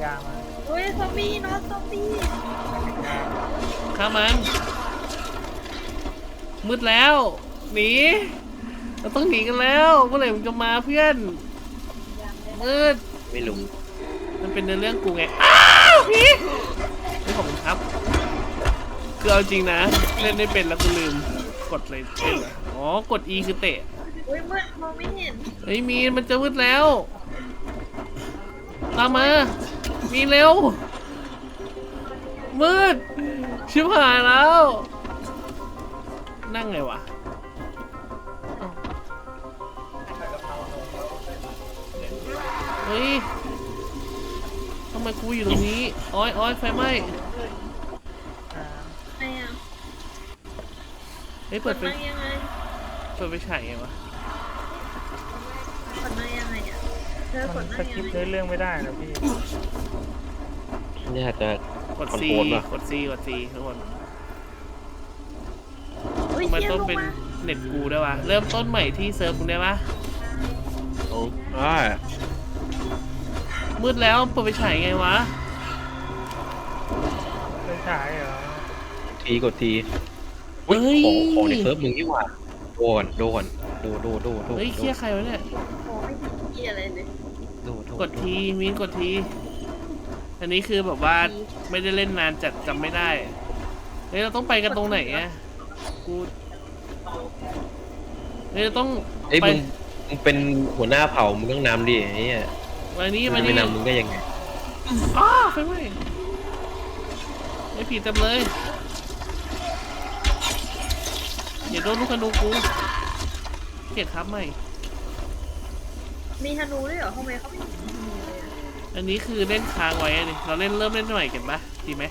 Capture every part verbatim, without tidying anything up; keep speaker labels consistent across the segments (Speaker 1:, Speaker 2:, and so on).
Speaker 1: ยามา
Speaker 2: เฮ้ยซอมบี้เนาะซอมบี้
Speaker 3: ฆ่ามันมืดแล้วหนีเราต้องหนีกันแล้วเมื่อไหร่มึงจะมาเพื่อนมืด
Speaker 4: ไม่รู้
Speaker 3: มันเป็นเรื่องกูไงอ้าวพี่ไม่ขอบคุณครับคือเอาจริงนะเล่นได้เป็นแล้วกูลืมกดเลยเล่นอ๋อกด E คือเตะ
Speaker 2: เฮ้ยมืดมองไม่เห็น
Speaker 3: เฮ้ยมีมันจะมืดแล้วตามมามีเร็วมืดชิบหายแล้วนั่งไงวะเฮ้ยทำไมกูอยู่ตรงนี้อ้อยอ้อยไฟไหม้
Speaker 2: ไงอ่ะ
Speaker 3: เฮ้ยเปิดไฟ
Speaker 2: ยังไง
Speaker 3: เปิดไฟฉายไงวะ
Speaker 2: กดมายังไงอ่ะเธอกดมา
Speaker 1: สกิปเรื่องไม่ได้นะพี่
Speaker 4: นี่อาจจะ
Speaker 3: กด C กด C กด C ทุกคนทำไมต้นเป็นเน็ตกูได้วะเริ่มต้นใหม่ที่เซิร์ฟมึงได้ปะ
Speaker 4: โอ้อ่า
Speaker 3: มืดแล้วเปิดไฟฉายไงวะ
Speaker 1: ไปฉายเหรอ
Speaker 4: ทีกดทีเฮ้ยของของในเซิร์ฟมึงนี่หว่าโดนโดนโดโดโดโด
Speaker 3: เฮ้ยเคี้ยใครวะเนี่ย
Speaker 2: โอ้ไม่เกี่ยอะไรเลย
Speaker 3: กดทีมีนกดทีอันนี้คือแบบว่าไม่ได้เล่นนานจัดจำไม่ได้เฮ้ยเราต้องไปกันตรงไหนอะกูเฮ้ยเราต้อง
Speaker 4: เอ้ยมึงมึงเป็นหัวหน้าเผ่ามึงต้องนำดิไอ้เนี่ย
Speaker 3: วันนี้
Speaker 4: มันไม่นำมึงได้ยังไง
Speaker 3: อ้าไฟไหม้ไอ้ผีเต็มเลยอย่าโดนลูกธนูกูเกลียดครับใหม่
Speaker 2: มีธนูด้วยเหรอทำไมเขาไม่มีธนูเลยอ่ะ
Speaker 3: อันนี้คือเล่นค้างไว้นี่เราเล่นเริ่มเล่นใหม่กันปะดีไหม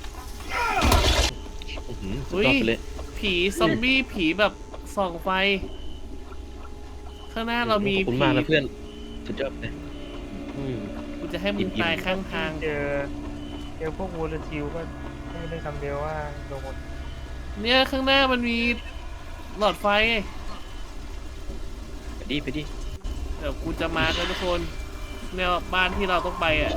Speaker 3: อุ้ยผีซอมบี้ผีแบบส่องไฟข้างหน้าเรามี
Speaker 4: ผีมาแล้วเพื่อนสุดยอดเลย
Speaker 3: กูจะให้มึงตายข้างทาง
Speaker 1: เจอเจอพวกวูลชิวก็ไม่ได้คำเดียวว่าโดน
Speaker 3: เนี่ยข้างหน้ามันมีหลอดไฟ
Speaker 4: ไปดิไปดิ
Speaker 3: เดี๋ยวกูจะมากันทุกคนเนี่ยบ้านที่เราต้องไปอ่ะ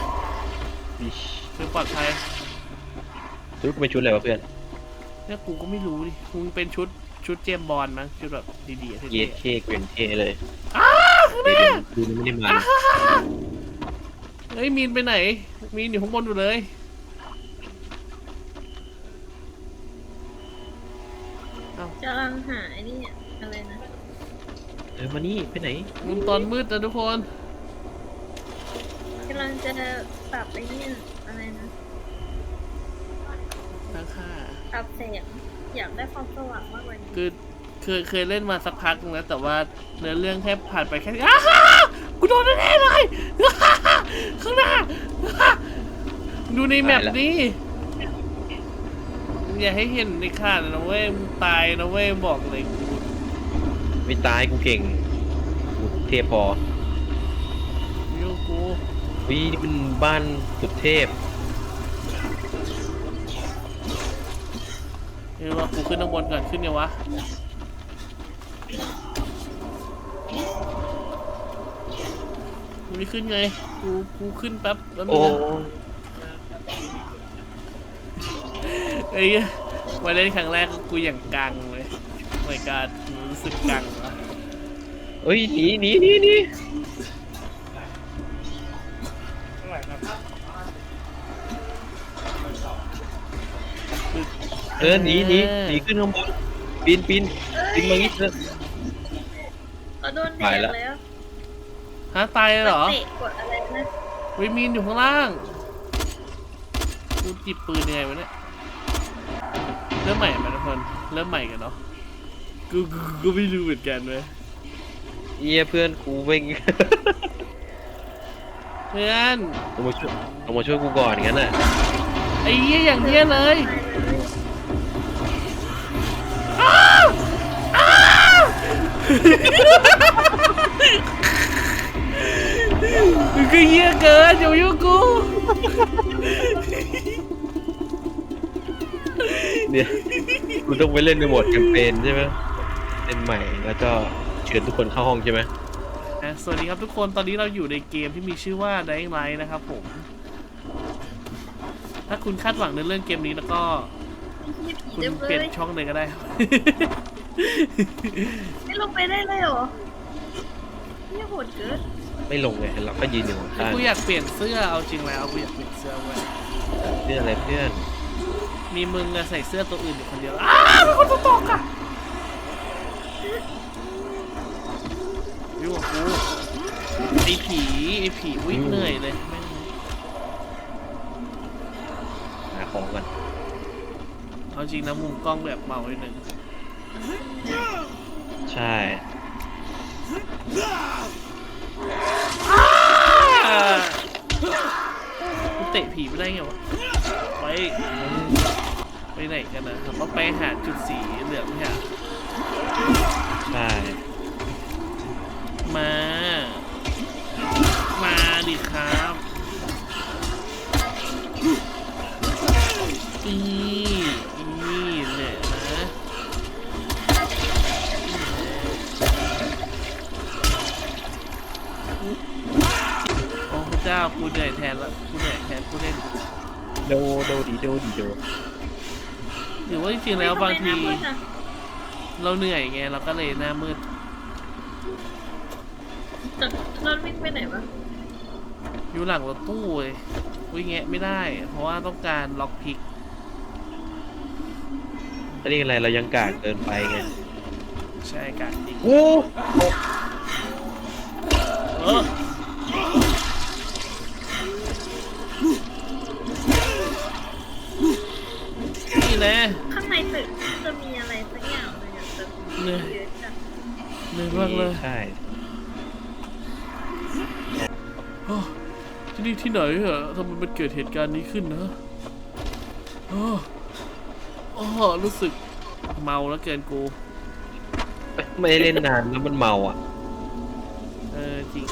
Speaker 3: คือปลอดภัย
Speaker 4: ชุดกูเป็นชุดอะไรวะเพื่อน
Speaker 3: เนี่ยกูก็ไม่รู้ดิมึงเป็นชุดชุดเจมบอลมั้งชุดแบบดีๆ
Speaker 4: เท่เท่เกวนเท่เลย
Speaker 3: อ้าข้างหน้า
Speaker 4: ดูไม่ได้มา
Speaker 3: เฮ้ยมีนไปไหนมีนอยู่ข้างบนอยู่เลย
Speaker 2: กำลังหาไอ้นี่อะไรนะ
Speaker 4: เออมานี่ไปไหน
Speaker 3: มึงตอนมืดนะทุกคน
Speaker 2: กำลังจะปรับไอ้นี่อะไรนะ
Speaker 3: ตั้งค่า
Speaker 2: ปรับแสงอยากได้ความสว่างมากกว่านี้
Speaker 3: คือเคยเคยเล่นมาสักพักนึงแล้วแต่ว่าเนื้อเรื่องแค่ผ่านไปแค่อ้ากูโดนแน่เลยข้างหน้าดูในแมปนี้อย่าให้เห็นในข่าวนะเว้ยมึงตายนะเว้ยบอกเลยกู
Speaker 4: ไม่ตายกูเก่งกูเทพพอ
Speaker 3: ยูกู
Speaker 4: วินี่เป็นบ้านสุดเทพ
Speaker 3: เฮ้ยว่ากูขึ้นข้างบนก่อนขึ้นเนี่ยวะกูไม่ขึ้นไงกูกูขึ้นแป๊บแล้วมึงเอ้ยมาเล่นครั้งแรกกูอย่างกังเลยไม่กล้ารู้สึกกังวะ
Speaker 4: เฮ้ยหนีหนีหนีหนีเออหนีหนีหนีขึ้นข้างบนปีนปีนปีนมางี้เถอะ
Speaker 2: โดนแดดแล้ว
Speaker 3: ฮะตายเลยเหรอก
Speaker 2: ดอะไรนะ
Speaker 3: วิมีนอยู่ข้างล่างกูจิบปืนยังไงวะเนี่ยเริ่มใหม่ไหมทุกคนเริ่มใหม่กันเนาะกูกูกูไม่รู้เหมือนกันเลย
Speaker 4: เยี่ยเพื่อนกูเว่ง
Speaker 3: เพื่อน
Speaker 4: เอามาช่วยเอามาช่วยกูก่อนงั้นน่ะ
Speaker 3: ไอ้เยี่ยอย่างเยี่ยเลยอ้าวอ้าวคือเยี่ยเกินอยู่ยุ่งกู
Speaker 4: เนี่ยกูต้องไปเล่นในโหมดแคมเปญใช่ไหมเล่นใหม่แล้วก็เชิญทุกคนเข้าห้องใช่ไหม
Speaker 3: สวัสดีครับทุกคนตอนนี้เราอยู่ในเกมที่มีชื่อว่า Dying Light นะครับผมถ้าคุณคาดหวังในเรื่องเกมนี้แล้วก็
Speaker 2: ไอ้ผี
Speaker 3: คุณ
Speaker 2: เต็ม
Speaker 3: เป
Speaker 2: เล
Speaker 3: ลี่ยน
Speaker 2: ย
Speaker 3: ช่องเลยก็ได้
Speaker 2: ไม่ลงไปได้เลยเหรอเนี่ยโหดเกิน
Speaker 4: ไม่ลงไงเราก็ยืนอยู่ข้าง
Speaker 3: กูอยากเปลี่ยนเสื้อเอาจริงแล้วกูอยากเปลี่ยนเสื้อเว้ย
Speaker 4: ๆเพื่อนอะไรเพื่อน
Speaker 3: มีมึงอะใส่เสื้อตัวอื่นอยู่คนเดียวอ้าวเป็นคนตัวตกอะยุ่งกับกูไอ้ผีไอ้ผีวิ่งเหนื่อยเลยแม่ง
Speaker 4: หาของกัน
Speaker 3: เอาจริงนะมุมกล้องแบบเมานิดนึง
Speaker 4: ใช่
Speaker 3: กูเตะผีไม่ได้ไงวะไปไปไหนกันนะเราต้องไปหาจุดสีเหลืองเนี่ย
Speaker 4: ใช่
Speaker 3: มา มาดิครับอีอีเนี่ยนะโอ้พระเจ้ากูเหนื่อยแทนละกูเหนื่อยแทนกูเล่น
Speaker 4: โดโดดีโดดีโด
Speaker 3: หรือว่าจริงๆแล้วบางที
Speaker 2: ทำไมหน้มืดอะ
Speaker 3: เราเหนื่อยไงเราก็เลยหน้ามืด
Speaker 2: แต่รถวิ่งไปไหนวะ
Speaker 3: อยู่หลังรถตู้เลยวิ่งแงะไม่ได้ เพราะว่าต้องการล็อกพิก
Speaker 4: อันนี้อะไรเรายังกากเกินไปไง
Speaker 3: ใช่การจริง
Speaker 4: โอ้
Speaker 3: เออนี่แหละ
Speaker 2: ข้างในตึกจะมีอะไรสักอย่างเลยอะแต่
Speaker 3: เหนื่อย
Speaker 2: เยอะจัง
Speaker 3: เหนื่อยมากเลย
Speaker 4: ใช่
Speaker 3: อ้าวที่นี่ที่ไหนอะทำไมมันเกิดเหตุการณ์นี้ขึ้นนะอ้าวอ้าวรู้สึกเมาแล้วเกินกู
Speaker 4: ไม่ได้เล่นนานแล้วมันเมาอ่ะ
Speaker 3: เออจริง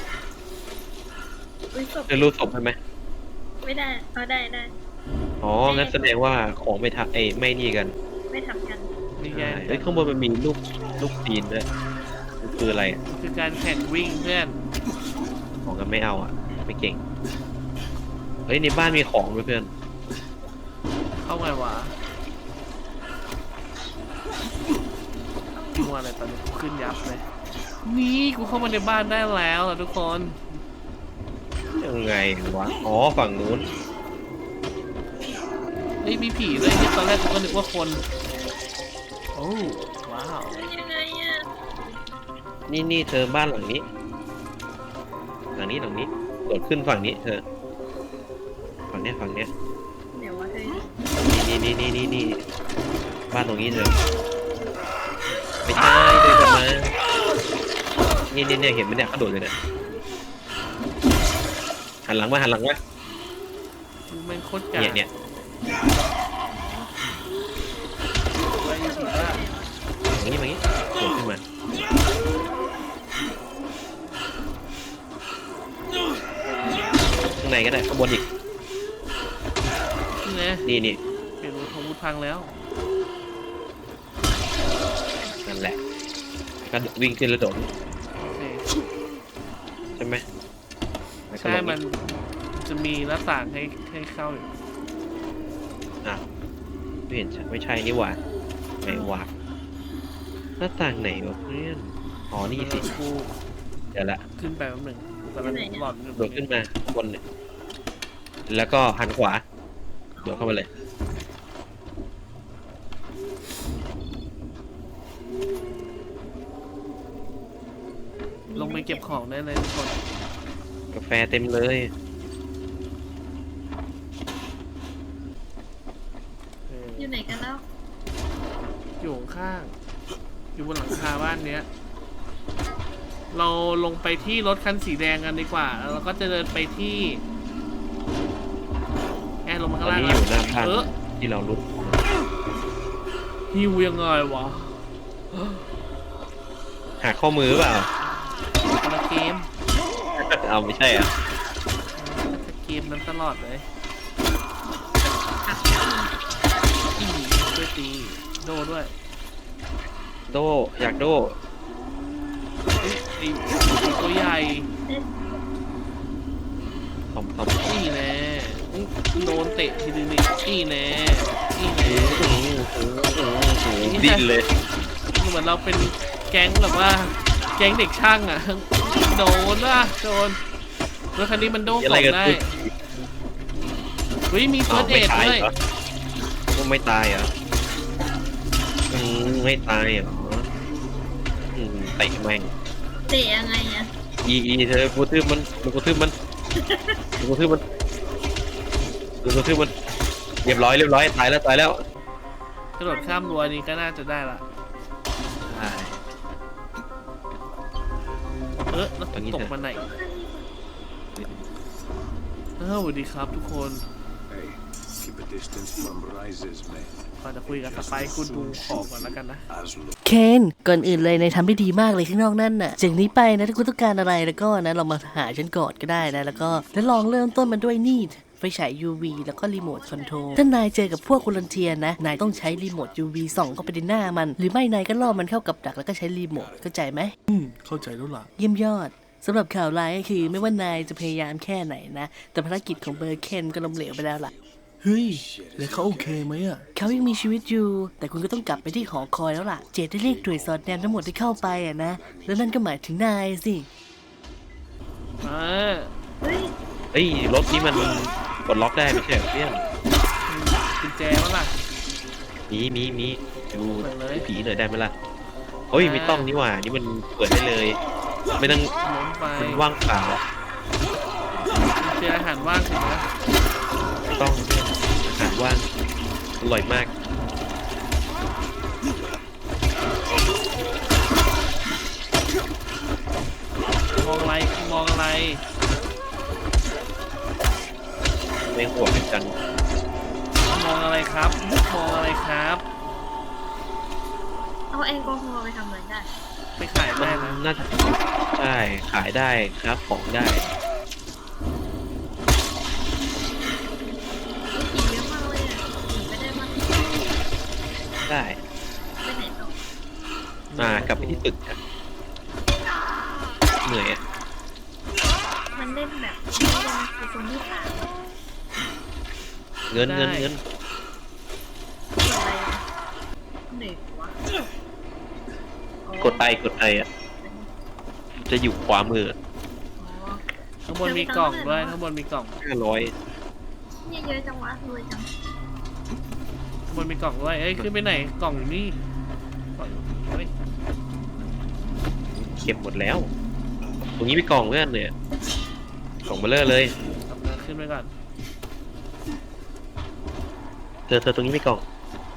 Speaker 2: อุ้ยศพ
Speaker 4: เธอรู้ศพไหม
Speaker 2: ไม่ได้เอาได้ได้
Speaker 4: อ๋องั้นแสดงว่าของไม่ทับเอ้ยไม่นี่กัน
Speaker 2: ไม่ทำกัน
Speaker 3: นี่ไง
Speaker 4: ใช่เอ้ยข้างบนมันมีลูกลูกตีนด้วยมันคืออะไรอะ
Speaker 3: คือการแข่งวิ่งเพื่อน
Speaker 4: ของกันไม่เอาอ่ะ ไม่เก่งเฮ้ยในบ้านมีของด้วยเพื่อน
Speaker 3: เข้าไงวะมัวอะไรตอนนี้กูขึ้นยับเลย นี่กูเข้ามาในบ้านได้แล้วล่ะทุกคน
Speaker 4: ยังไงวะอ๋อฝั่งนู้น
Speaker 3: เฮ้ยมีผีด้วยที่ตอนแรกกูก็นึกว่าคน โอ้ว้าว
Speaker 2: ยังไงอะ
Speaker 4: นี่นี่เธอบ้านหลังนี้ หลังนี้หลังนี้โดดขึ้นฝั่งนี้เธอฝั่งเนี้ยฝั่งเนี้ย
Speaker 2: เดี๋ยวว่าเฮ้ย
Speaker 4: นี่นี่นี่นี่นี่บ้านตรงนี้เธอไม่ใช่เดินกลับมานี่นี่เนี่ยเห็นไหมเนี่ยเขาโดดเลยเนี่ยหันหลังมาหันหลังมา
Speaker 3: กูแม่งโคตรกา
Speaker 4: เนี่ยเนี่ย
Speaker 3: ไปอยู่ผีบ้า
Speaker 4: อย่างนี้อย่างนี้โดดขึ้นมาข้างในก็ได้ข้างบนอีก
Speaker 3: นี่ไง
Speaker 4: นี่นี่
Speaker 3: เปลี่ยนของวุธพังแล้ว
Speaker 4: นั่นแหละก็วิ่งขึ้นแล้วโดด
Speaker 3: โอเค
Speaker 4: ใช่ไหมแล้วก็
Speaker 3: ใช่
Speaker 4: ลง
Speaker 3: มันจะมีหน้าต่างให้ให้เข้าอยู่
Speaker 4: อ่ะไม่เห็นใช่ไม่ใช่นี่หว่าไหนหว่าหน้าต่างไหนวะเพื่อนอ๋อนี่สิ
Speaker 3: กู
Speaker 4: เดี๋ยวละ
Speaker 3: ขึ้นไปแป๊บหนึ่งกูกำลังหลอนอยู่
Speaker 4: โดดขึ้นมาข้างบนเนี่ยแล้วก็หันขวาโดดเข้ามาเลย
Speaker 3: ลงไปเก็บของได้เลยทุกคน
Speaker 4: กาแฟเต็มเลย
Speaker 3: เออ
Speaker 2: อยู่ไหนกันแล้ว
Speaker 3: อยู่ข้างๆอยู่บนหลังคาบ้านเนี้ย เราลงไปที่รถคันสีแดงกันดีกว่าแล้วเราก็จะเดินไปที่แอนลงมา
Speaker 4: ต
Speaker 3: ข้า
Speaker 4: อง น
Speaker 3: ล่าง
Speaker 4: นี้อยู่หน้าบ้าน
Speaker 3: เออ
Speaker 4: ที่เราลุก
Speaker 3: ฮิวยังไงวะ
Speaker 4: หักข้อมือเปล่า
Speaker 3: คนละเกม
Speaker 4: เอาไม่ใช่อ่ะ
Speaker 3: เกมนั้นตลอดเลยอีช่วยตีโดด้วย
Speaker 4: โดอยากโด
Speaker 3: ไอ้ตัวใหญ่
Speaker 2: เอ๊ะ
Speaker 4: ทอมทอม
Speaker 3: นี่แน่โดนเตะทีนึงนี่นี่แน่นี่แน่
Speaker 4: ดิ้นเลย
Speaker 3: เหมือนเราเป็นแก๊งแบบว่าแก๊งเด็กช่างอ่ะโดนว่ะโดนรถคันนี้มันโดนกล่องได้เฮ้ยมีเฟิร์สเอดด้วย
Speaker 4: ไม่ตายเหรออืมไม่ตายเหรออืมเตะแม่ง
Speaker 2: เตะยังไงอะ
Speaker 4: อีอีเธอกูทืบมันกูทืบมันกูทืบมันกูทืบมันเรียบร้อยเรียบร้อยตายแล้วตายแล้ว
Speaker 3: กระโดดข้ามรั้วนี้ก็น่าจะได้ละเออแล้วตกมาไหนเออสวัสดีครับทุกคนก่อนจะคุยกับสไปค์คุณดูของก่อนแล้วกันนะ
Speaker 5: เคนก่อนอื่นเลยนายทำได้ดีมากเลยข้างนอกนั่นน่ะจากนี้ไปนะถ้าคุณต้องการอะไรแล้วก็นะเรามาหาฉันก่อนก็ได้นะแล้วก็แล้วลองเริ่มต้นมันด้วยนี่ไฟฉาย ยู วี แล้วก็รีโมทคอนโทรลถ้านายเจอกับพวกวอลันเทียร์นะนายต้องใช้รีโมท ยู วี ส่องเข้าไปในหน้ามันหรือไม่นายก็ล่อมันเข้ากับดักแล้วก็ใช้รีโมทเข้าใจไหม
Speaker 3: อืมเข้าใจแล้วล่ะ
Speaker 5: เยี่ยมยอดสำหรับข่าวร้ายก็คือไม่ว่านายจะพยายามแค่ไหนนะแต่ภารกิจของเบอร์เคนก็ล้มเหลวไปแล้วล่ะ
Speaker 3: เฮ้ยแล้วเขาโอเคไหมอ่ะ
Speaker 5: เขายังมีชีวิตอยู่แต่คุณก็ต้องกลับไปที่หอคอยแล้วล่ะเจดได้เรียกหน่วยสอดแนมทั้งหมดที่เข้าไปอ่ะนะแล้วนั่นก็หมายถึงนายสิ
Speaker 3: อ่า
Speaker 2: เฮ้ย
Speaker 4: เฮ้ยรถนี้มันกดล็อกได้ไม่ใช่เหรอเพื่อน
Speaker 3: กุญแจมั้งล่ะ
Speaker 4: มีมีมีดูผีหน่อยได้ไหมล่ะเฮ้ยไม่ต้องนี่หว่านี่มันเปิดได้เลยไม่ต้องมันว่างเปล่า
Speaker 3: กุญแจอาหารว่างสินะ
Speaker 4: ต้องอาหารว่างอร่อยมาก
Speaker 3: มองอะไรมองอะไร
Speaker 4: ไม่ห่วงกัน
Speaker 3: มองอะไรครับมองอะไรครับ
Speaker 2: เอาแอลกอฮอล์ไปทำอะไรได้
Speaker 3: ไปขายได้นะ
Speaker 4: น่าจะใช่ขายได้ครับของได้ได้
Speaker 2: ไปไหนต่อ
Speaker 4: มากลับไปที่ตึกครับเหนื่อยอ่ะ
Speaker 2: มันเล่นแบบไม่เล่นคือคนที่ผ่าน
Speaker 4: เงินเงินเงิน
Speaker 2: อะไรเหนื่อยวะ
Speaker 4: กดไปกดไปอ่ะจะอยู่ขวามือ
Speaker 3: ข้างบนมีกล่องด้วยข้างบนมีกล่อง
Speaker 4: ห้าร้อย
Speaker 2: เนี่ยเยอะจังวะรวยจัง
Speaker 3: มันมีกล่องด้วยเอ้ยขึ้นไปไหนกล่องอยู่นี่
Speaker 4: เก็บหมดแล้วตรงนี้มีกล่องเพื่อนเนี่ยกล่องเบลเลอร์เลย
Speaker 3: ขึ้นไปก่อน
Speaker 4: เธอเธอตรงนี้มีกล่อง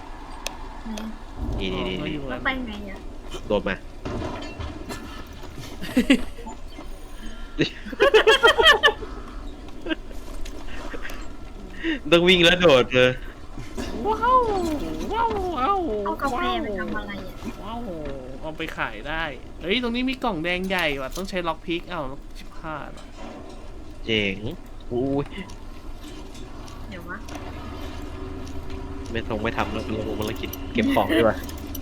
Speaker 4: นี่นี่นี่
Speaker 2: แล้วไปไงอ่ะ
Speaker 4: โดดมาต้องวิ่งแล้วโดดเลย
Speaker 3: ว้าวว้าวว้าว
Speaker 2: เอากาแฟไปทำอะไรอ่ะ
Speaker 3: ว้าวเอาไปขายได้เฮ้ยตรงนี้มีกล่องแดงใหญ่ว่ะต้องใช้ล็อกพิกเอ้าชิบหาย
Speaker 4: เจ๋งอุ้ย
Speaker 2: เดี๋ยววะ
Speaker 4: ไม่ต้องไม่ทำแล้วเรื่องภารกิจเก็บของดีกว่า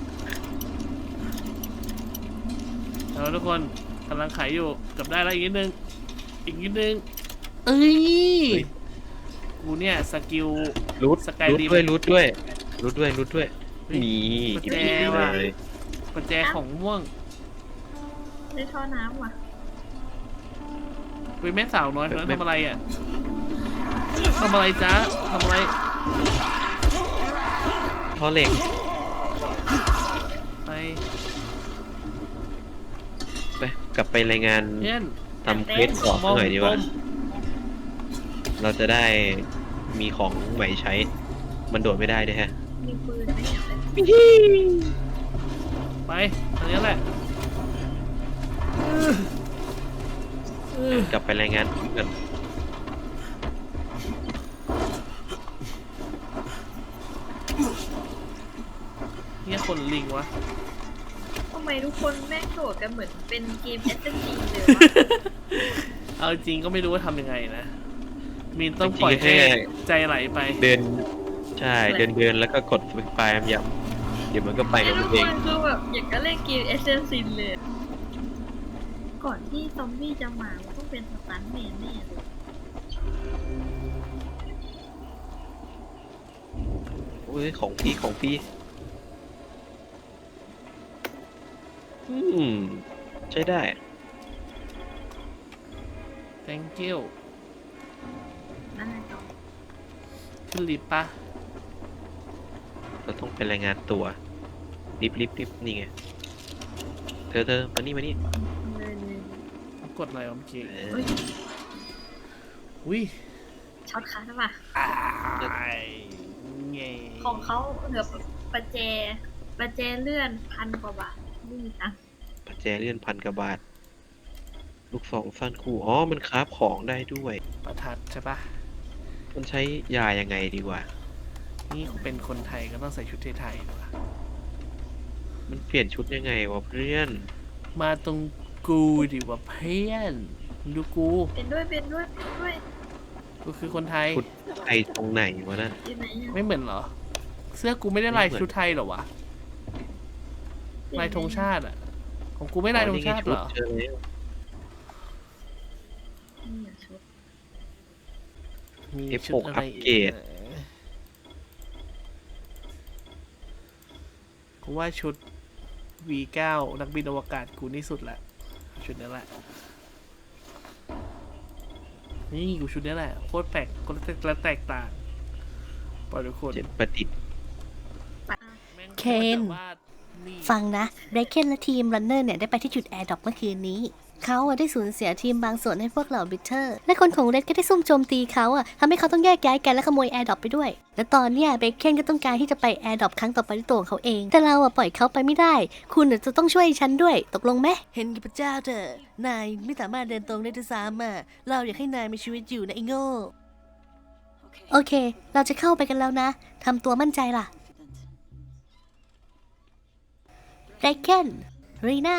Speaker 3: แล้วทุกคนกำลังขายอยู่กับได้แล้วอีกนิดนึงอีกนิดนึงเอ้ยกูเนี่ยสกิล
Speaker 4: รูทรูทด้วยรูทด้วยรูทด้วยรูทด้วยมี
Speaker 3: กุญแจว่ะกุญแจของม่วง
Speaker 2: ได้ท่อน้ำว่ะ
Speaker 3: เฮ้ยแม่สาวน้อยเขาทำอะไรอ่ะทำอะไรจ๊ะทำอะไร
Speaker 4: ท่อเหล็ก
Speaker 3: ไป
Speaker 4: ไปกลับไปรายงานทำเควสต่อหน่อยดีกว่าเราจะได้มีของใหม่ใช้มันโดดไม่ได้ด้วยฮะ
Speaker 2: มีปืนไหม
Speaker 3: ไปอันนี้แหละ
Speaker 4: กลับไปรายงานกัน
Speaker 3: เนี่ยคนลิงวะ
Speaker 2: ทำไมทุกคนแม่งโดดกันเหมือนเป็นเกม เอส เอ็ม จี เลยวะ
Speaker 3: เอาจริงก็ไม่รู้ว่าทำยังไงนะมีนต้องปล่อยให้ใจไหลไป
Speaker 4: เดินใช่เดินเดินแล้วก็กดไฟล์ย้ำเดี๋ยวมันก็ไปของมันเอง
Speaker 2: คือแบบอยากจะเล่นเกม เอส เอ็ม ซี เลยก่อนที่ซอมบี้จะมามันต้องเป็นสตันแมนแน่เลย
Speaker 4: อ้ยของพี่ของพี่อืมใช้ได้
Speaker 3: thank you
Speaker 2: นั่นไงต่อ
Speaker 3: ขึ้นลิฟต์ปะ
Speaker 4: เราต้องไปรายงานตัวลิฟต์ลิฟต์ลิฟต์นี่ไงเธอเธอมานี่มานี่
Speaker 2: เลยเลย
Speaker 3: กดอะไรวะเมื่อกี้
Speaker 4: เอ
Speaker 2: เฮ้
Speaker 4: อย
Speaker 3: อุ้ย
Speaker 2: ช็อตคัทหรือเปล่า
Speaker 3: ไอ้เงย
Speaker 2: ของเขาเหลือประแจประแจเลื่อนพันกว่าบาทไม่มีตังค์
Speaker 4: ปัจแจเลื่อนพันกว่าบาทลูกสองสั้นคู่อ๋อมันคราฟของได้ด้วย
Speaker 3: ประทัดใช่ปะ
Speaker 4: มันใช้ยายังไงดีกว่า
Speaker 3: นี่กูเป็นคนไทยก็ต้องใส่ชุดไทยๆด้วย
Speaker 4: มันเปลี่ยนชุดยังไงวะเพื่อน
Speaker 3: มาตรงกูดิว่าเพื่อนดูกู
Speaker 2: เป็นด้วยเป็นด้วยเป็นด้วย
Speaker 3: กูคือคนไทย
Speaker 4: ชุดไทยตรงไหนวะนั่น
Speaker 2: อยู่ไหนอะ
Speaker 3: ไม่เหมือนเหรอ เสื้อกูไม่ได้ลายชุดไทยเหรอวะลายธงชาติอ่ะของกูไม่ลายธงชาติเหรอ
Speaker 4: เจอแล้ว
Speaker 2: นี่อะชุด
Speaker 3: มี
Speaker 4: เอฟ
Speaker 3: ชุ
Speaker 4: ห
Speaker 3: ด
Speaker 4: ก
Speaker 3: อะไร
Speaker 4: อัปเกรด
Speaker 3: กูว่าชุด วี เก้า นักบินอวกาศกูนี่สุดแหละชุดนี้แหละนี่กูชุดนี้แหละโคตรแปลกโคตรแตกต่างปล่อยทุกคน
Speaker 4: เจ็ดประดิษฐ์
Speaker 3: แม่ง
Speaker 5: เคน
Speaker 3: แบบว่านี่
Speaker 5: ฟังนะเบรเคนและทีมรันเนอร์เนี่ยได้ไปที่จุดแอร์ดรอปเมื่อคืนนี้ เขาอะได้สูญเสียทีมบางส่วนให้พวกเหล่าบิทเทอร์ และคนของเรดก็ได้ซุ่มโจมตีเขาอะทำให้เขาต้องแยกย้ายกันและขโมยแอร์ดรอปไปด้วย และตอนเนี้ยเบรเคนก็ต้องการที่จะไปแอร์ดรอปครั้งต่อไปด้วยตัวของเขาเอง แต่เราอะปล่อยเขาไปไม่ได้ คุณอะจะต้องช่วยฉันด้วย ตกลงไหมเห็นกับพระเจ้าเถอะนายไม่สามารถเดินตรงได้ด้วยซ้ำอะเราอยากให้นายมีชีวิตอยู่นะไอ้โง่โอเค เราจะเข้าไปกันแล้วนะทำตัวมั่นใจล่ะเบรเคนรีน่า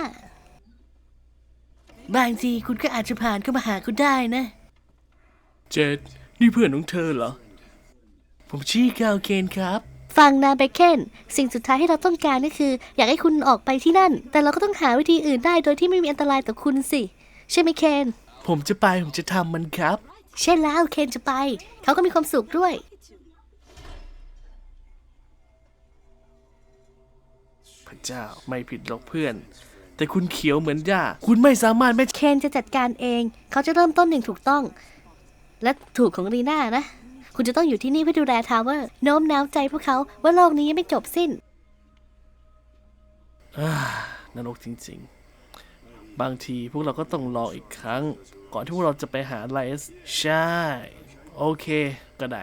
Speaker 5: บางทีคุณก็อาจจะผ่านเข้ามาหาคุณได้นะ
Speaker 3: เจดนี่เพื่อนของเธอเหรอ ผมชื่อกาวเคนครับ
Speaker 5: ฟังนะเบคเคนสิ่งสุดท้ายที่เราต้องการก็คือ อยากให้คุณออกไปที่นั่น แต่เราก็ต้องหาวิธีอื่นได้โดยที่ไม่มีอันตรายต่อคุณสิ ใช่ไหมเคน
Speaker 3: ผมจะไปผมจะทำมันครับ
Speaker 5: ใช่แล้วเคนจะไป เขาก็มีความสุขด้วย
Speaker 3: พระเจ้าไม่ผิดหรอกเพื่อน แต่คุณเขียวเหมือนย่าคุณไม่สามารถไม่
Speaker 5: เคนจะจัดการเอง เขาจะเริ่มต้นหนึ่งถูกต้อง และถูกของรีน่านะ คุณจะต้องอยู่ที่นี่เพื่อดูแลทาวเวอร์ โน้มน้าวใจพวกเขาว่าโลกนี้ยังไม่จบสิ้น
Speaker 3: อ่านรกจริงๆ บางทีพวกเราก็ต้องรออีกครั้ง ก่อนที่พวกเราจะไปหาไลส์ใช่ โอเคก็ได้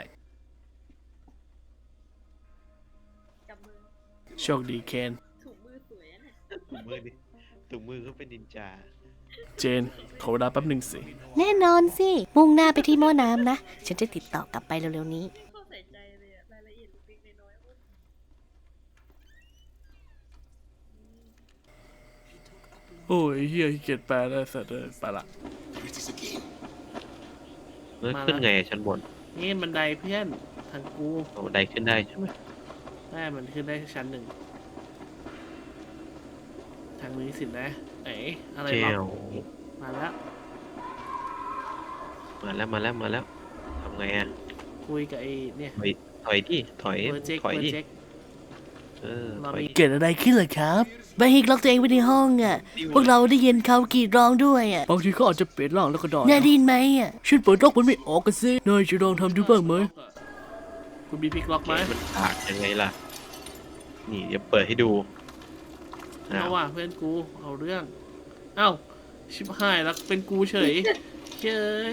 Speaker 2: จับมือ
Speaker 3: โชคดีเคน
Speaker 2: ถูกมือสวยอะเนี่ย
Speaker 4: ถุงมือดิถุงมือเขาเป็นนินจา
Speaker 3: เจน ขอเวลาแป๊บหนึ่งสิ
Speaker 5: แน่นอนสิ มุ่งหน้าไปที่หม้อน้ำนะ ฉันจะติดต่อกลับไปเร็วๆนี้
Speaker 2: เข้าใส่ใจเลยอะรายละเอียดเล็กๆน้อยๆโอ้ย
Speaker 3: โอ้ยเฮียขี้เกียจแปลได้สัตว์เลยไปละ
Speaker 4: เมื่อขึ้นไงอะชั้นบน
Speaker 3: นี่บันไดเพื่อนทางกู
Speaker 4: เอาบันไดขึ้นได้ใช่ไหม
Speaker 3: ได้มันขึ้นได้ชั้นหนึ่ง ทางนี้สินะเอ๋อะไร
Speaker 4: เจ
Speaker 3: ล็อ
Speaker 4: ล
Speaker 3: กมาแล้ว
Speaker 4: มาแล้วมาแล้วมาแล้วทำไงอ่ะ
Speaker 3: คุยกับไอ้เนี่ย
Speaker 4: ถอยถอยดิถอย
Speaker 3: เบอร์เจ็ก
Speaker 4: ถอย
Speaker 3: เบอ
Speaker 4: ดิ
Speaker 3: ร์เจ็ก
Speaker 4: เออ
Speaker 3: เรา
Speaker 4: ถอย
Speaker 3: มี
Speaker 4: ดิ
Speaker 3: เกิดอะไรขึ้นเหรอครับ
Speaker 5: บาฮิกล็อกตัวเองไว้ในห้องอ่ะ พวกเราได้ยินเขากรีดร้องด้วยอ่ะ
Speaker 3: บางทีเขาอาจจะเปลี่ยนร่างแล้วก็ดอน
Speaker 5: น่าไดยินไหมอ่ะ
Speaker 3: ฉันเปิดล็อกมันไม่ออกกันสินายจะลองทำดูบ้างไหมคุณมีพลิกล็อกไหม
Speaker 4: มันผากยังไงล่ะ นี่เดี๋ยวเปิดให้ดูอ้า
Speaker 3: เอา
Speaker 4: ว
Speaker 3: ว่ะเพื่อนกูเอาเรื่อง เอ้าชิบหายแล้วเป็นกูเฉยเย้ย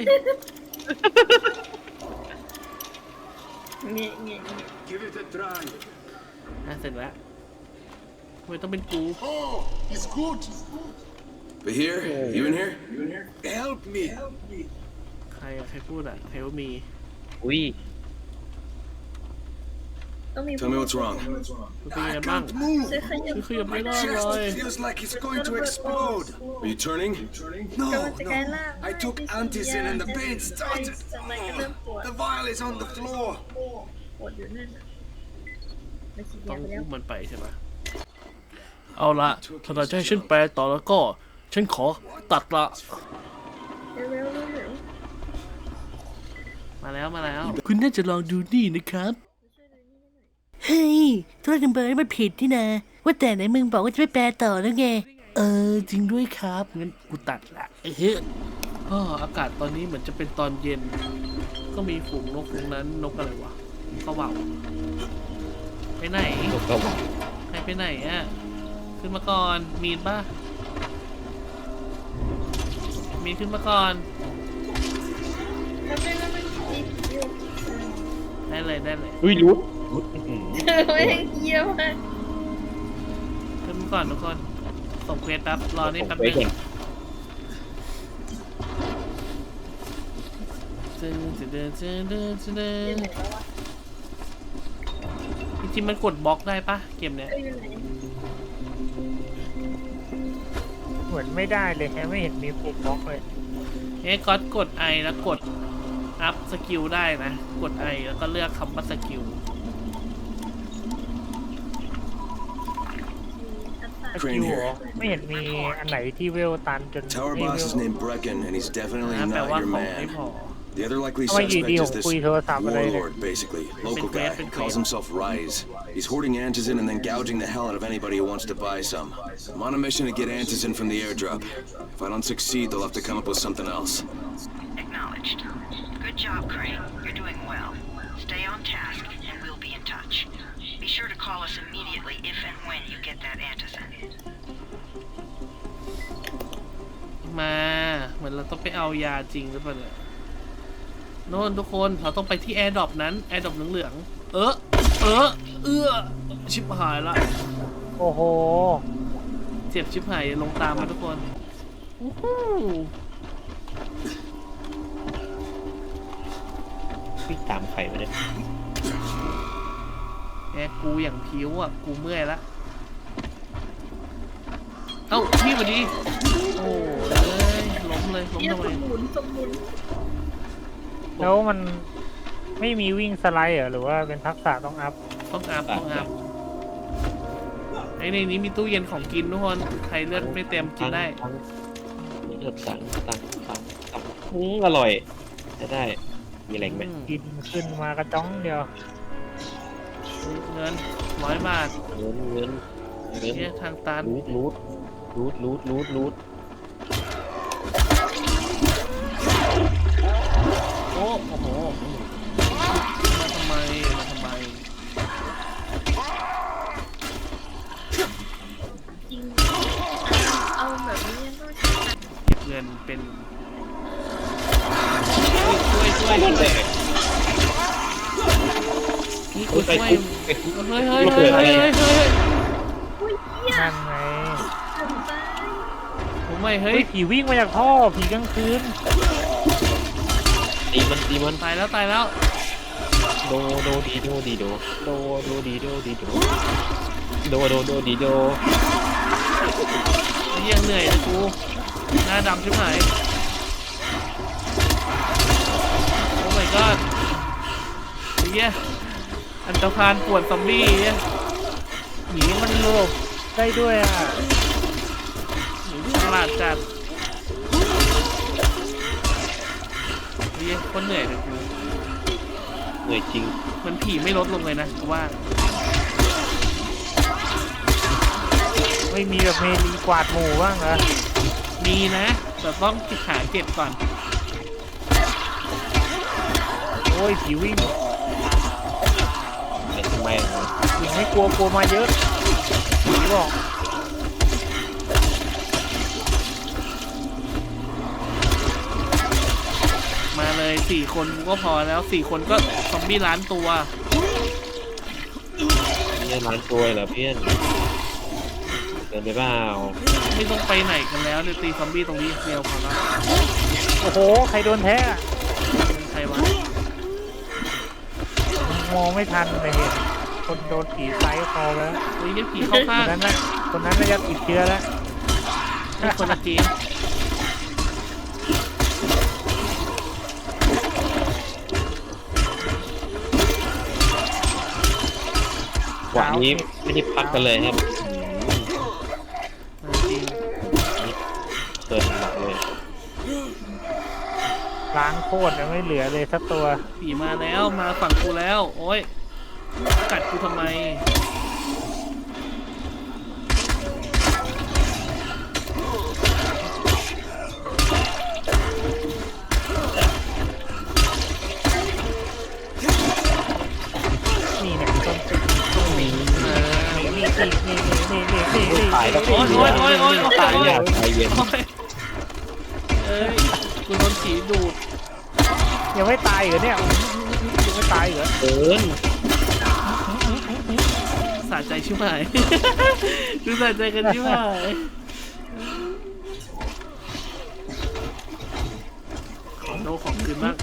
Speaker 2: เงี้ยเงี้ยเงี้ย
Speaker 6: Give it a try.
Speaker 3: อ่ะเสร็จแล้วทำไมต้องเป็นกู
Speaker 6: Oh, it's good.
Speaker 7: But here, you in here?
Speaker 6: Help me.
Speaker 3: ใครอะใครพูดอะเฮลมี
Speaker 4: อุ้ย
Speaker 2: ต้องมี
Speaker 7: Tell me what's wrong.
Speaker 3: คุณเป็นยังไง
Speaker 6: I
Speaker 3: บ้าง
Speaker 6: can't move.
Speaker 2: ซื้อขยับ
Speaker 3: คือขยับไม่
Speaker 6: My
Speaker 3: ได้เลย
Speaker 6: chest feels like it's going to explode.
Speaker 7: Are you turning?
Speaker 6: No,
Speaker 2: กำลังจะกลายร่าง
Speaker 6: no. I took antizin and the pain started.
Speaker 2: ทำไมก็เริ่มปวด
Speaker 6: The vial is on the floor.
Speaker 2: ปวดอยู่นั่นน่ะไปฉีด
Speaker 3: ต้
Speaker 2: ยา
Speaker 3: อง
Speaker 2: ไปแล้ว
Speaker 3: อุ้มมันไปใช่ไหมเอาละถ้าจะให้ฉันแปลต่อแล้วก็ ฉันขอตัดละ
Speaker 2: เร็วเร็วเร็วเร็ว
Speaker 3: มาแล้วมาแล้ว คุณน่าจะลองดูนี่นะครับ
Speaker 5: ฮฮ้ยธุรกันเบอร์นี่มันผิดที่นะว่าแต่ไหนมึงบอกว่าจะไม่แปลต่อแล้วไงเออจริงด้วยครับงั้นกูตัดละเฮ้ย
Speaker 3: อ๋ออากาศตอนนี้เหมือนจะเป็นตอนเย็น ก็มีฝูงนกตรงนั้นนกอะไรวะเขาเบาไปไหน
Speaker 4: นกกระหว่า
Speaker 3: ใครไปไหนอ่ะขึ้นมาก่อนมีนป่ะมีนขึ้นมาก่อน
Speaker 2: แล้วไม่แล้วมันติดอยู่
Speaker 3: ได้เลยได้เลย
Speaker 4: อุ้ยรู้รู้อื้อหือ
Speaker 2: ไม่ได้เยี่ยมมาก
Speaker 3: ขึ้นมาก่อนทุกคนส่งเควสแป๊บรอนี่แป๊บ
Speaker 4: ผม
Speaker 3: นึ
Speaker 4: ไป
Speaker 3: ง
Speaker 4: ก่อน
Speaker 3: จึงจะเดินจะเดินจะเดินจริงๆมันกดบล็อกได้ปะเกมเนี้ย
Speaker 2: เอ้ยอยู่ไหน
Speaker 1: เหมือนไม่ได้เลยแฮะไม่เห็นมีปุ่มบล็อกเลย
Speaker 3: เอ๊ะก็กด I แล้วกดอัพสกิลได้นะ กด I แล้วก็เลือกคำว่าสกิล
Speaker 1: สกิลเหรอไม่เห็นมีอันไหนที่เวลตันจน
Speaker 7: Tower
Speaker 1: ไม่
Speaker 7: boss
Speaker 1: เว
Speaker 7: is
Speaker 1: ล
Speaker 7: named Brecken, and he's definitely
Speaker 3: นะแปล
Speaker 7: not
Speaker 3: ว่า
Speaker 7: your
Speaker 3: ของไม่
Speaker 7: man.
Speaker 3: พอ
Speaker 7: The other likely
Speaker 1: How about you,
Speaker 7: suspect
Speaker 1: Dio?
Speaker 7: is this
Speaker 1: Kuy Tosa pa rin.
Speaker 7: warlord, basically. Local guy. Calls himself Rise. He's hoarding Antizin and then gouging the hell out of anybody who wants to buy some. I'm on a mission to get Antizin from the airdrop. If I don't succeed, they'll have to come up with something else.
Speaker 8: Acknowledged. Good job, Crane. You're doing well. Stay on task, and we'll be in touch. Be sure to call us immediately if and when you get that Antizin.
Speaker 3: มาเหมือนเราต้องไปเอายาจริงหรือเปล่าเนี่ยโน่นทุกคนเราต้องไปที่แอร์ดรอปนั้นแอร์ดรอปเหลืองๆเออเออเอื้อชิบหายละ
Speaker 1: โอ้โห
Speaker 3: เจ็บชิบหายลงตามมาทุกคนอู้หู
Speaker 4: วิ่งตามใครมาเนี่ย
Speaker 3: แอร์กูอย่างผิวอ่ะกูเมื่อยละเอ้าพี่มาดีโอ้ยล้มเลยล้ม
Speaker 2: เยี่ยม
Speaker 3: ทำไม
Speaker 2: สมุนสมุน
Speaker 1: แล้วมันไม่มีวิ่งสไลด์เหรอหรือว่าเป็นทักษะต้องอัพ
Speaker 3: ต้องอาบต้องอาบไอ้ในนี้มีตู้เย็นของกินทุกคนใครเลือดไม่เต็มกินได้
Speaker 4: ตั้งเลือกสั่งตั้งสั่งตั้งอืมอร่อยจะได้มีแรงไหม
Speaker 1: กินขึ้นมากระจ้องเดียว
Speaker 3: เงินร้อยบาท
Speaker 4: เงินเงินเงิน
Speaker 3: เนี่ยทางตัน
Speaker 4: รูดรูดรูดรูดรูดรูด
Speaker 3: โอ้โอ้โหมาทำไมมาทำไม
Speaker 2: จริงเอาแบบนี้ยังต้อง
Speaker 3: เก็บเงินเป็นช่วยช่วยช่วยช่วยนี่กูช่วยเฮ้ยเฮ้ยเฮ้ยเฮ้ยเฮ้ยเฮ้ย
Speaker 2: อุ้ยเหี้ย
Speaker 1: นั่นไง
Speaker 2: ถึงไป
Speaker 3: ผมไม่เฮ้
Speaker 1: เฮ้
Speaker 3: ย
Speaker 1: ยผีวิ่งมาจากท่อผีกลางคืน
Speaker 4: ตีมันตีมัน
Speaker 3: ตายแล้วตายแล้ว
Speaker 4: โดโดดีโดดีโดโดโดดีโดดีโดโดโดโดดีโด
Speaker 3: ไอ้เหี้ยังเหนื่อยเลยกูหน้าดำใช่ไหมโอ้ my god ไอ้เหี้ยอันตรพานปวดซอมบี้เนี่ย
Speaker 1: ผีมันโลบได้ด้วยอ่ะ
Speaker 3: ฉลาดจัดไอ้เหี้ยคนเหนื่อยเลยกู
Speaker 4: เหนื่อยจริง
Speaker 3: มันผีไม่ลดลงเลยนะกูว่า
Speaker 1: ไม่มีแบบเมลีกวาดหมู่บ้างเหรอ
Speaker 3: มีนะแต่ต้องหาเก็บก่อน
Speaker 1: โอ้ยผีวิ่ง
Speaker 4: ไอ้ทำไมอ่ะ
Speaker 1: ผีไม่กลัวกลัวมาเยอะผีบอก
Speaker 3: มาเลยสี่คนกูก็พอแล้วสี่คนก็ซอมบี้ล้านตัว
Speaker 4: เนี่ยร้านตัวเหรอเพื่อนเดินไปเปล่า
Speaker 3: ไม่ต้องไปไหนกันแล้วเดี๋ยวตีซอมบี้ตรงนี้เดียวพอแล้ว
Speaker 1: โอ้โหใครโดนแท้อะ
Speaker 3: เป็นใครวะ
Speaker 1: มองไม่ทันเลยเห็นคนโดนผีไซส์คอแล้ว
Speaker 3: เฮ้ยยังผีเข้า
Speaker 1: ค
Speaker 3: ข้าง
Speaker 1: นนั้นน่ะคนนั้นน่าจะติดเชื้อแล้ว
Speaker 3: นี่คนละเกม
Speaker 4: หวานนี้ไม่ได้พักกันเลยครับ
Speaker 3: จริง
Speaker 4: เกินหนักเลย
Speaker 1: ล้างโคตรยังไม่เหลือเลยสักตัว
Speaker 3: ผีมาแล้วมาฝั่งกูแล้วโอ้ยกัดกูทำไม
Speaker 1: นี่เนี่ยต้นตึกต้นหมี
Speaker 3: เออ
Speaker 1: นี่นี่นี่นี่นี่นี่นี่นี่
Speaker 4: ตายแล้ว
Speaker 3: โอ๊ยโอ๊ยโอ๊ยโอ๊ยโอ๊ย
Speaker 4: ตายยากตายเย็น
Speaker 3: โอ๊ยเอ้ยกูโดนผีดูด
Speaker 1: ยังไม่ตายเหรอเนี่ยยังไม่ตายเหรอ
Speaker 4: เกิน
Speaker 3: สะใจชิบหาย ดูสะใจกันชิบหายของโดของคืนมาก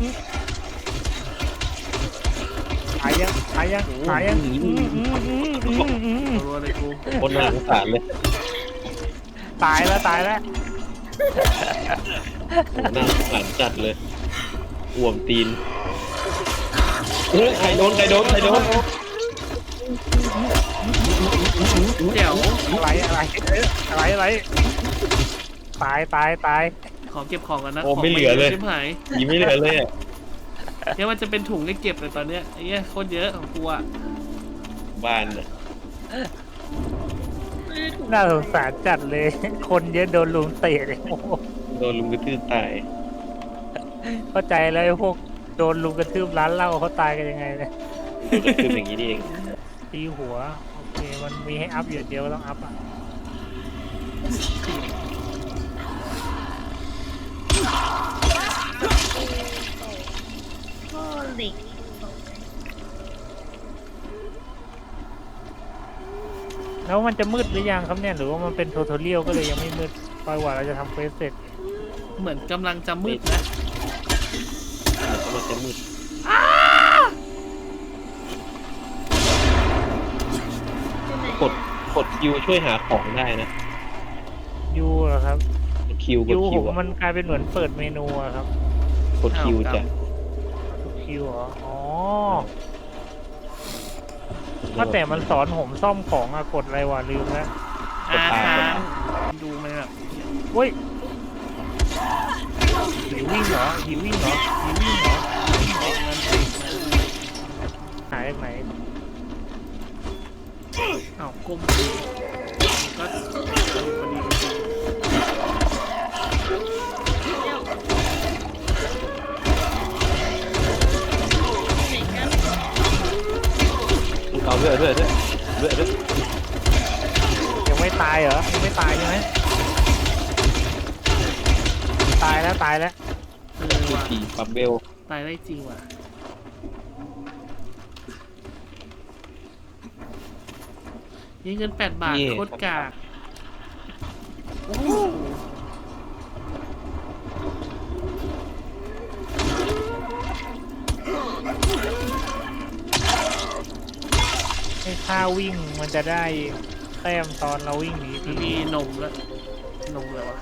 Speaker 1: ตายยังตายยังตายยังอืมอืมอืมอืมอืม
Speaker 3: รัวเลยกู
Speaker 4: คนน่าสงสารเลย
Speaker 1: ตายแล้วตายแล้ว
Speaker 4: โอ้น่าสงสารจัดเลยอ่วมตีนเฮ้ยใครโดนใครโดนใครโดน
Speaker 3: เดี๋ยว
Speaker 1: อะไรอะไรอะไรอะไรตายตายตาย
Speaker 3: ขอเก็บของกันนะ
Speaker 4: โอ้ไม่เหลือเลย
Speaker 3: ชิบหาย
Speaker 4: ยีไม่เหลือเลยอ่ะ
Speaker 3: เนี่ยมันจะเป็นถุงให้เก็บเลยตอนเนี้ยไอ้เนี้ยโคตรเยอะของกูอ่ะ
Speaker 4: บ้านอ่ะ
Speaker 1: น่าสงสารจัดเลย คนเยอะโดนลุมเตะเลยโอ้โห
Speaker 4: โดนลุมกระทืบตาย
Speaker 1: เข้าใจแล้วไอ้พวกโดนลุมกระทืบร้านเหล้าเขาตายกันยังไงเนี่ย
Speaker 4: คืออย่างนี้นี่เอง
Speaker 1: ตีหัวโอเคมันมีให้อัพอยู่เดียวก็ต้องอัพอ่ะ
Speaker 2: โอ้เหล็ก
Speaker 1: แล้วมันจะมืดหรือยังครับเนี่ยหรือว่ามันเป็นโททอเรียลก็เลยยังไม่มืดปล่อยว่าเราจะทำเควสเสร็จ
Speaker 3: เหมือนกำลังจะมืดนะ
Speaker 4: แล้วก็มันจะมืดกดกดคิวช่วยหาของได้นะ
Speaker 1: ยูเหรอครับ
Speaker 4: กดคิวก
Speaker 1: ยู
Speaker 4: ด
Speaker 1: ผ
Speaker 4: คิว
Speaker 1: ม
Speaker 4: อะ
Speaker 1: มันกลายเป็นเหมือนเปิดเมนูอะครับ
Speaker 4: กดคิวจะ
Speaker 1: คิวเหรออ๋อว่าแต่มันสอนผมซ่อมของอะกดอะไรวะลืมแล้ว
Speaker 3: อาค้างดูมันแบบ
Speaker 1: เฮ้ยหิววิ่งเหรอหิววิ่งเหรอหิววิ่งเหรอหายจากไหน
Speaker 3: อ้าวก้มดูก็พอดีพอดีจริง
Speaker 4: เอาเรื่อยเรื่อยเรื่อยเรื่อยเรื่อย
Speaker 1: ยังไม่ตายเหรอยังไม่ตายใช่ไหมตายแล้วตายแล้ว
Speaker 3: เออว่ะ
Speaker 4: ผีปับเบล
Speaker 3: ตายได้จริงว่ะนี่เงินแปดบาทโคตรกากโอ้โห
Speaker 1: ให้ค่าวิ่งมันจะได้แต้มตอนเราวิ่งหนีที
Speaker 3: มีนมแล้วนมเลยวะ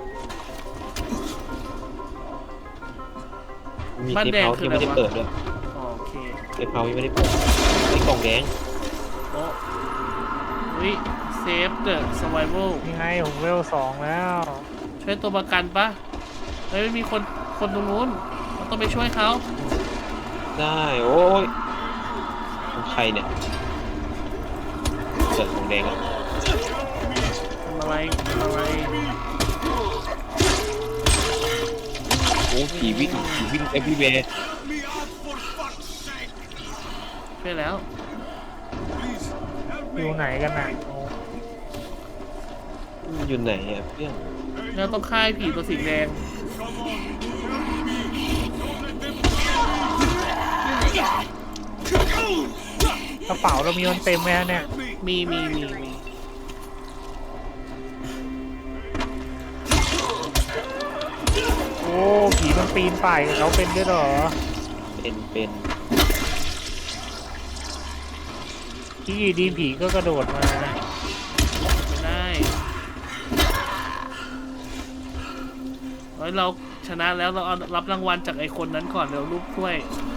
Speaker 4: มี
Speaker 3: บ้าน
Speaker 4: เทป
Speaker 3: แดง
Speaker 4: เฮาส์
Speaker 3: คือ
Speaker 4: ที่
Speaker 3: อะไร
Speaker 4: ไม่ได้
Speaker 3: วะ
Speaker 4: เปิดด้วย
Speaker 3: อ๋อโอเค
Speaker 4: เทปเฮาส์ยังไม่ได้เปิดไอ้กล่องแดง
Speaker 3: โอ้วิเซฟเดอะสไวเวล
Speaker 1: ยังไงผมเวลสองแล้ว
Speaker 3: ช่วยตัวประกันปะเฮ้ยมีคนคนตรงนู้นเราต้องไปช่วยเขา
Speaker 4: ได้โอ้ยของใครเนี่ยเปิดของแดงอ่ะ
Speaker 3: ทำอะไรทำอะไร
Speaker 4: โอ้ผีวิ่งผีวิ่งเอฟวีเวย์
Speaker 3: ช่วยแล้ว
Speaker 1: อยู่ไหนกันน่ะโอ้
Speaker 4: อยู่ไหนอ่ะเพื่อน
Speaker 3: เราต้องฆ่าไอ้ผีตัวสีแดง
Speaker 1: กระเป๋าเรามีมันเต็มไหมฮะเนี่ย
Speaker 3: มีมีมีมี
Speaker 1: โอ้ผีมันปีนป่ายกับเขาเป็นด้วยเหรอ
Speaker 4: เป็นเป็น
Speaker 1: ที่อยู่ดีผีก็กระโดดมา
Speaker 3: ไม่ได้เฮ้ยเราชนะแล้วเราเอารับรางวัลจากไอ้คนนั้นก่อนเดี๋ยวรูปถ้วย